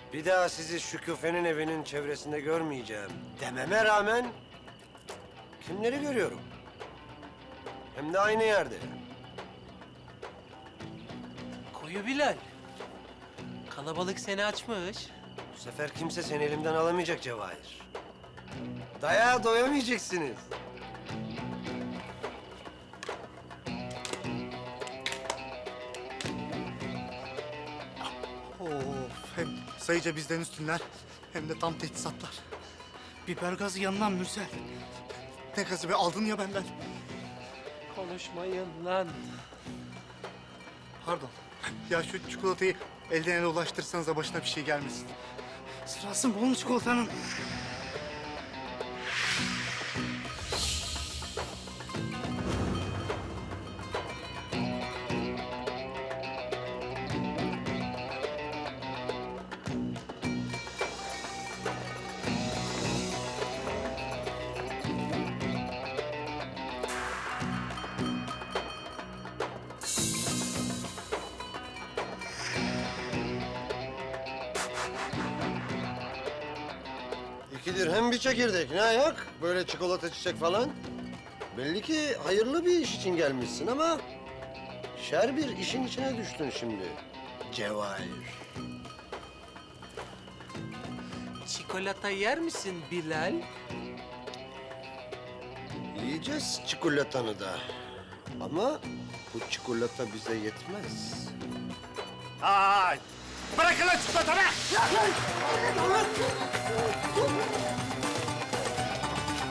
Bir daha sizi Şükufe'nin evinin çevresinde görmeyeceğim dememe rağmen kimleri görüyorum? Hem de aynı yerde. Koyu Bilal. Kalabalık seni açmış. Bu sefer kimse seni elimden alamayacak Cevahir. Dayağa doyamayacaksınız. Of, hem sayıca bizden üstünler hem de tam teçhizatlar. Biber gazı yanından Mürsel. Ne gazı be, aldın ya benden. Konuşmayın lan. Pardon. Ya şu çikolatayı elden ele ulaştırsanız da başına bir şey gelmesin. Sırası mı oğlum çikolatanın? İki dirhem bir çekirdek. Ne ayak? Böyle çikolata çiçek falan. Belli ki hayırlı bir iş için gelmişsin ama... ...şer bir işin içine düştün şimdi. Cevahir. Çikolata yer misin Bilal? Yiyeceğiz çikolatanı da. Ama bu çikolata bize yetmez. Ay! Bırakın lan çikolatanı!